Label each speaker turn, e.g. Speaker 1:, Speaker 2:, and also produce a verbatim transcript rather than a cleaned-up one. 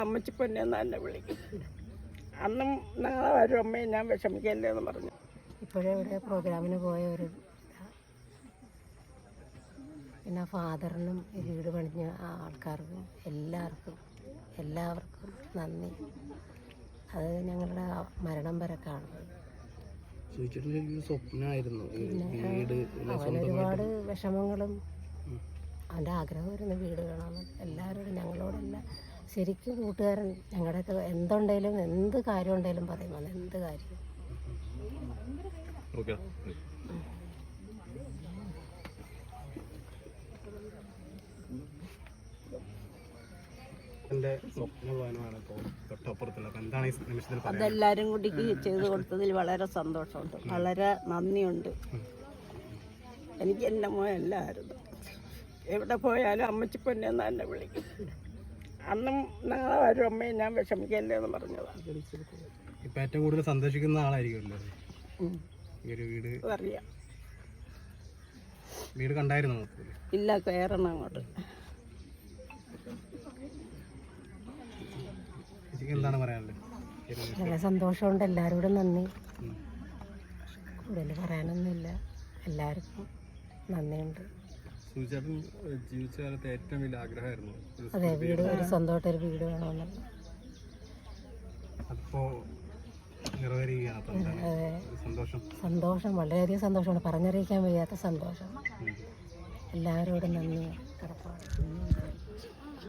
Speaker 1: അമ്മച്ചി പൊന്നെന്ന് എന്നെ വിളിക്കും. അന്നും നാളെ വരും അമ്മയെ ഞാൻ വിഷമിക്കല്ലേ എന്ന് പറഞ്ഞു.
Speaker 2: ഇപ്പോഴേ ഇവിടെ പ്രോഗ്രാമിന് പോയ ഒരു പിന്നെ ഫാദറിനും ഈ വീട് പണിഞ്ഞ ആൾക്കാർക്കും എല്ലാവർക്കും എല്ലാവർക്കും നന്ദി. അത് ഞങ്ങളുടെ മരണം വരെ കാണുന്നത്. അവൻ ഒരുപാട് വിഷമങ്ങളും അവൻ്റെ ആഗ്രഹമായിരുന്നു വീട് കാണാമെന്ന്. എല്ലാവരോടും ഞങ്ങളോടെല്ലാം ശരിക്കും കൂട്ടുകാരൻ ഞങ്ങളുടെയൊക്കെ എന്തുണ്ടെങ്കിലും എന്ത് കാര്യം ഉണ്ടെങ്കിലും പറയും. അത് എന്ത് കാര്യം
Speaker 1: അതെല്ലാവരും കൂടി ചെയ്തു കൊടുത്തതിൽ വളരെ സന്തോഷമുണ്ട്, വളരെ നന്ദിയുണ്ട്. എനിക്ക് എൻ്റെ മോയല്ലായിരുന്നു. എവിടെ പോയാലും അമ്മച്ചി പൊന്നെന്ന് എന്നെ വിളിക്കും. അന്നും നാളെ വരും അമ്മയെ ഞാൻ വിഷമിക്കല്ലേ എന്ന് പറഞ്ഞതാണ്.
Speaker 3: ഇപ്പൊ ഏറ്റവും കൂടുതൽ സന്തോഷിക്കുന്ന ആളായിരിക്കുമല്ലോ വീട്.
Speaker 1: അറിയാം.
Speaker 3: വീട് കണ്ടായിരുന്നു?
Speaker 1: ഇല്ല, കയറണം അങ്ങോട്ട്.
Speaker 3: എന്താണ് പറയാനുള്ളത്?
Speaker 2: വളരെ സന്തോഷമുണ്ട്. എല്ലാവരോടും നന്ദി. കൂടുതൽ പറയാനൊന്നുമില്ല. എല്ലാവർക്കും നന്ദിയുണ്ട്.
Speaker 3: ജീവിച്ച കാലത്ത് ഏറ്റവും വലിയ ആഗ്രഹമായിരുന്നു
Speaker 2: അതെ, വീട്, ഒരു സ്വന്തമായിട്ടൊരു വീട് വേണമെന്ന്. സന്തോഷം, വളരെയധികം സന്തോഷമാണ്. പറഞ്ഞറിയിക്കാൻ വയ്യാത്ത സന്തോഷം. എല്ലാവരോടും നന്ദി കടപ്പാട്.